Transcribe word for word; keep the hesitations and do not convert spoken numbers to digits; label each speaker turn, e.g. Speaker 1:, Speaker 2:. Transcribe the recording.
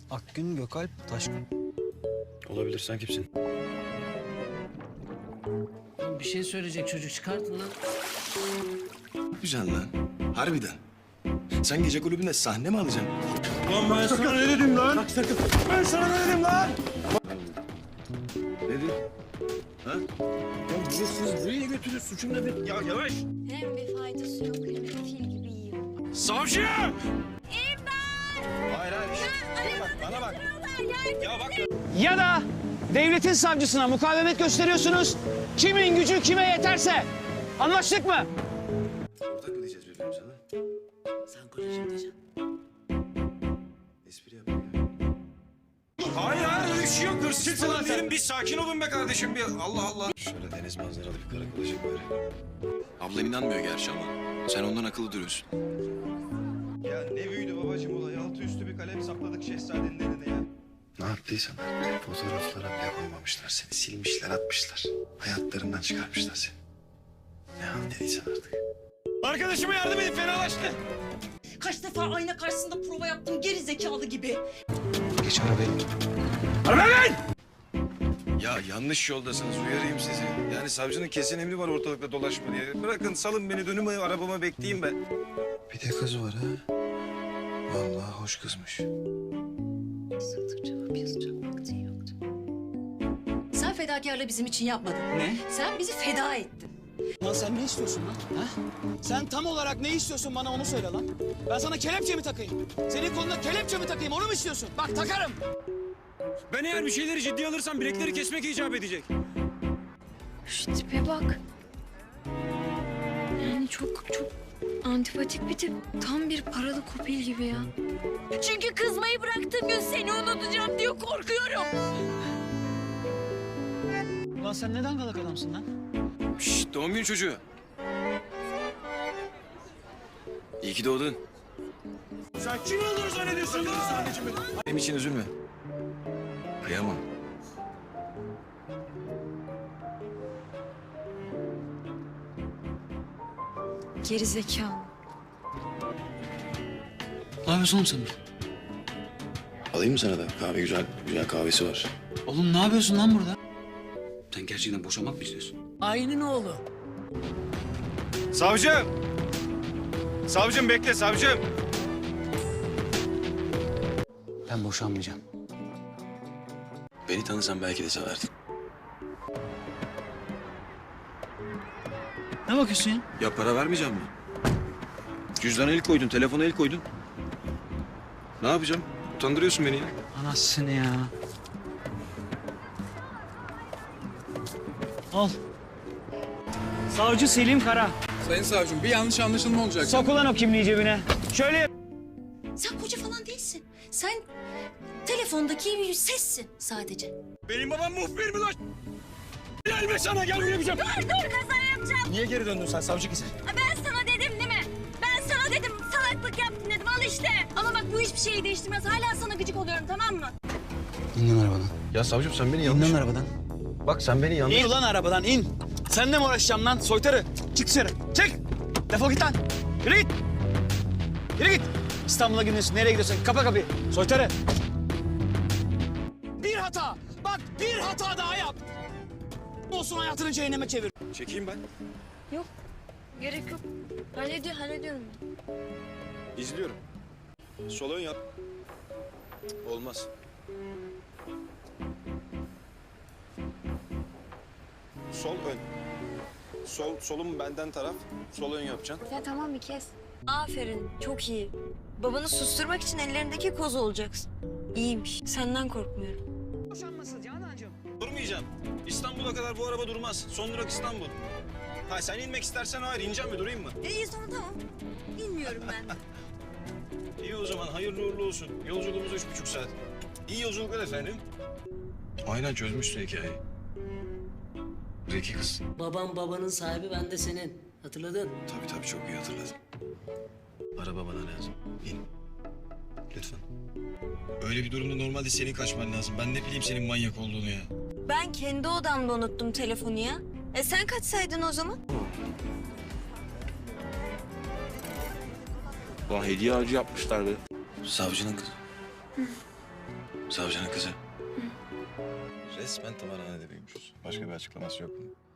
Speaker 1: Akgün Gökalp Taşkın.
Speaker 2: Olabilir, sen kimsin?
Speaker 3: Bir şey söyleyecek çocuk, çıkartın lan.
Speaker 2: Ne yapacaksın lan? Harbiden. Sen gece kulübünde sahne mi alacaksın?
Speaker 4: Lan ben sana ne dedim lan? Bak sakın. Ben sana ne dedim lan?
Speaker 2: Ne dedin? Ha? Ya bizi siz buraya götürün, suçum ne benim? Ya yavaş!
Speaker 5: Hem bir faydası yok hem de fil gibi yiyor.
Speaker 2: Savcı!
Speaker 5: İmdat!
Speaker 2: Hayır hayır. Bak, bana bak. Ya bak.
Speaker 6: Ya da devletin savcısına mukavemet gösteriyorsunuz. Kimin gücü kime yeterse. Anlaştık mı?
Speaker 2: Ortak mı diyeceğiz birbirimize lan?
Speaker 3: Sen kocacığım diyeceksin.
Speaker 2: Espri yapayım ya. Hayır hayır öyle bir şey yok. Hırsız falan değilim. Bir sakin olun be kardeşim. Bir Allah Allah. Şöyle deniz manzaralı bir karakol olacak böyle. Ablan inanmıyor gerçi ama sen ondan akıllı duruyorsun.
Speaker 4: Ya ne büyüdü babacığım olay. Altı üstü bir kalem sakladık şehzadenin eline ya.
Speaker 2: Ne yaptıysan artık fotoğraflara bile koymamışlar seni. Silmişler, atmışlar. Hayatlarından çıkarmışlar seni. Ne halt dediysen artık.
Speaker 4: Arkadaşıma yardım edin, fenalaştı.
Speaker 7: Kaç defa ayna karşısında prova yaptım geri zekalı gibi.
Speaker 2: Geç arabaya.
Speaker 4: Arabaya bin!
Speaker 2: Ya yanlış yoldasınız, uyarayım sizi. Yani savcının kesin emri var ortalıkta dolaşma diye. Bırakın, salın beni, dönüm arabama bekleyeyim ben. Bir de kız var ha. Vallahi hoş kızmış.
Speaker 5: Yazıktır, cevap yazacak vaktin yoktu.
Speaker 7: Sen fedakarlığı bizim için yapmadın.
Speaker 6: Ne?
Speaker 7: Sen bizi feda ettin.
Speaker 6: Lan sen ne istiyorsun lan? Ha? Sen tam olarak ne istiyorsun bana onu söyle lan. Ben sana kelepçe mi takayım? Senin koluna kelepçe mi takayım onu mu istiyorsun? Bak takarım.
Speaker 4: Ben eğer bir şeyleri ciddiye alırsam bilekleri kesmek icap edecek.
Speaker 5: Şu tipe bak. Yani çok çok antipatik bir tip. Tam bir paralı kopil gibi ya. Çünkü kızmayı bıraktığım gün seni unutacağım diye korkuyorum.
Speaker 6: Ulan sen neden galak adamsın lan?
Speaker 2: Şşt, doğum günü çocuğu. İyi ki doğdun.
Speaker 4: Sen kim olduğunu zannediyorsun lan?
Speaker 2: Benim için üzülme. Kıyamam.
Speaker 5: Geri zekalı.
Speaker 6: Ne yapıyorsun oğlum sen?
Speaker 2: Alayım mı sana da? Kahve güzel, güzel kahvesi var.
Speaker 6: Oğlum ne yapıyorsun lan burada?
Speaker 2: Sen gerçekten boşanmak mı istiyorsun?
Speaker 3: Ayının oğlu.
Speaker 4: Savcım! Savcım bekle, savcım!
Speaker 6: Ben boşanmayacağım.
Speaker 2: Beni tanısan belki de severdin.
Speaker 6: Ne bakıyorsun ya?
Speaker 2: Ya para vermeyeceğim mi? Cüzdana el koydun, telefona el koydun. Ne yapacağım? Utandırıyorsun beni ya.
Speaker 6: Anasını ya. Al. Savcı Selim Kara.
Speaker 8: Sayın savcım bir yanlış anlaşılma olacak.
Speaker 6: Sok ulan o kimliği cebine. Şöyle yap.
Speaker 7: Sen koca falan değilsin. Sen telefondaki bir sessin sadece.
Speaker 4: Benim babam muhbir mi lan? Gelme sana, gel buraya yapacağım.
Speaker 5: Dur dur kaza yapacağım.
Speaker 4: Niye geri döndün sen savcı kızı?
Speaker 5: Ben sana dedim değil mi? Ben sana dedim salaklık yaptın dedim al işte. Ama bak bu hiçbir şeyi değiştirmez. Hala sana gıcık oluyorum tamam mı?
Speaker 6: İn lan arabadan.
Speaker 2: Ya savcım sen beni
Speaker 6: İn
Speaker 2: yanlış...
Speaker 6: lan arabadan.
Speaker 2: Bak sen beni yanlış...
Speaker 6: İn ulan arabadan in. Seninle mi uğraşacağım lan soytarı? Çık dışarı. Çık. Defol git lan. Yürü git. Yürü git. İstanbul'a gidiyorsun. Nereye gidiyorsun? Kapa kapıyı. Soytarı. Bir hata. Bak bir hata daha yap. Olsun hayatını cehenneme çevir.
Speaker 2: Çekeyim ben.
Speaker 5: Yok gerek yok. Hallediyor, hallediyorum.
Speaker 2: İzliyorum. Sol ön yap. Olmaz. Sol ön. Sol, solum benden taraf. Sol ön yapacaksın.
Speaker 5: Ya tamam bir kez. Aferin çok iyi. Babanı susturmak için ellerindeki koz olacaksın. İyiymiş. Senden korkmuyorum.
Speaker 6: Boşanması Canancığım.
Speaker 2: Durmayacağım. İstanbul'a kadar bu araba durmaz. Son durak İstanbul. Ha sen inmek istersen hayır. İneceğim mi? Durayım mı?
Speaker 5: İyi sonra tamam. Bilmiyorum ben de.
Speaker 2: İyi o zaman. Hayırlı uğurlu olsun. Yolculuğumuz üç buçuk saat. İyi yolculuklar efendim. Aynen çözmüşsün hikayeyi. Zeki kız.
Speaker 3: Babam babanın sahibi, ben de senin. Hatırladın?
Speaker 2: Tabii tabii çok iyi hatırladım. Araba bana lazım. İn. Lütfen. Öyle bir durumda normalde senin kaçman lazım. Ben ne bileyim senin manyak olduğunu ya.
Speaker 5: Ben kendi odamda unuttum telefonu ya. E sen kaçsaydın o zaman?
Speaker 9: Ulan hediye ağacı yapmışlar be.
Speaker 2: Savcının kızı. Savcının kızı. Resmen tımarhanede büyümüşüz. Başka bir açıklaması yok mu?